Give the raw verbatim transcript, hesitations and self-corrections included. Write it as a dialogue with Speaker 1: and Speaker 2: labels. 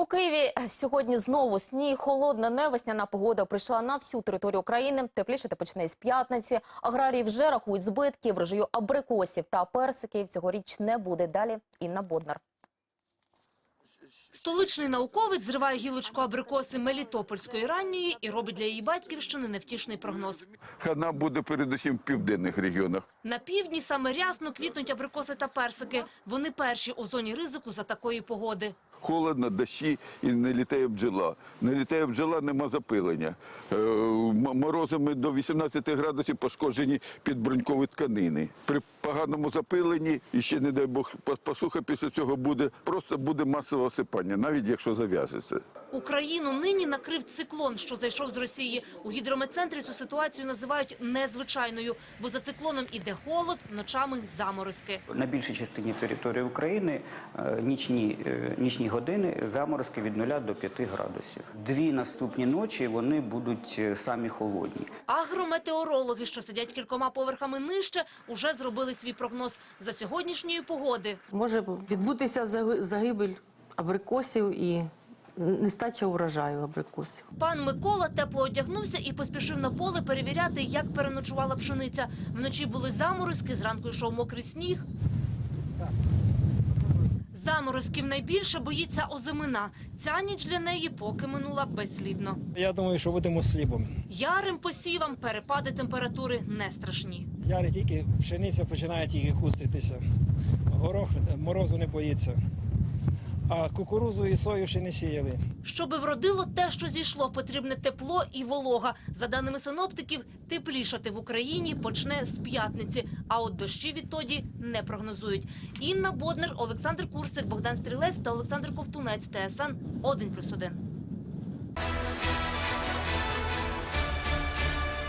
Speaker 1: У Києві сьогодні знову сніг, холодна невесняна погода прийшла на всю територію України. Теплішати почне з п'ятниці. Аграрії вже рахують збитки, врожаю абрикосів та персиків цьогоріч не буде. Далі Інна Боднар.
Speaker 2: Столичний науковець зриває гілочку абрикоси Мелітопольської ранньої і робить для її батьківщини невтішний прогноз.
Speaker 3: Хана буде передусім в південних регіонах.
Speaker 2: На півдні саме рясно квітнуть абрикоси та персики. Вони перші у зоні ризику за такої погоди.
Speaker 3: Холодно, дощі і не літає бджола. Не літає бджола, нема запилення. Е, морозами до вісімнадцяти градусів пошкоджені підбрунькові тканини. При поганому запиленні, і ще, не дай Бог, посуха після цього буде, просто буде масове осипання, навіть якщо зав'яжеться.
Speaker 2: Україну нині накрив циклон, що зайшов з Росії. У гідрометцентрі цю ситуацію називають незвичайною, бо за циклоном іде холод, ночами заморозки.
Speaker 4: На більшій частині території України нічні, нічні години заморозки від нуля до п'яти градусів. Дві наступні ночі вони будуть самі холодні.
Speaker 2: Агрометеорологи, що сидять кількома поверхами нижче, уже зробили свій прогноз за сьогоднішньої погоди.
Speaker 5: Може відбутися загибель абрикосів і нестача урожаю абрикосів.
Speaker 2: Пан Микола тепло одягнувся і поспішив на поле перевіряти, як переночувала пшениця. Вночі були заморозки, зранку йшов мокрий сніг. Заморозків найбільше боїться озимина. Ця ніч для неї поки минула безслідно.
Speaker 6: Я думаю, що будемо з хлібом.
Speaker 2: Ярим посівам перепади температури не страшні.
Speaker 6: Яри тільки, пшениця починає тільки хуститися. Горох морозу не боїться. А кукурудзу і сою ще не сіяли.
Speaker 2: Щоби вродило те, що зійшло, потрібне тепло і волога. За даними синоптиків, теплішати в Україні почне з п'ятниці, а от дощі відтоді не прогнозують. Інна Боднар, Олександр Курсик, Богдан Стрілець та Олександр Ковтунець, Т С Н один плюс один.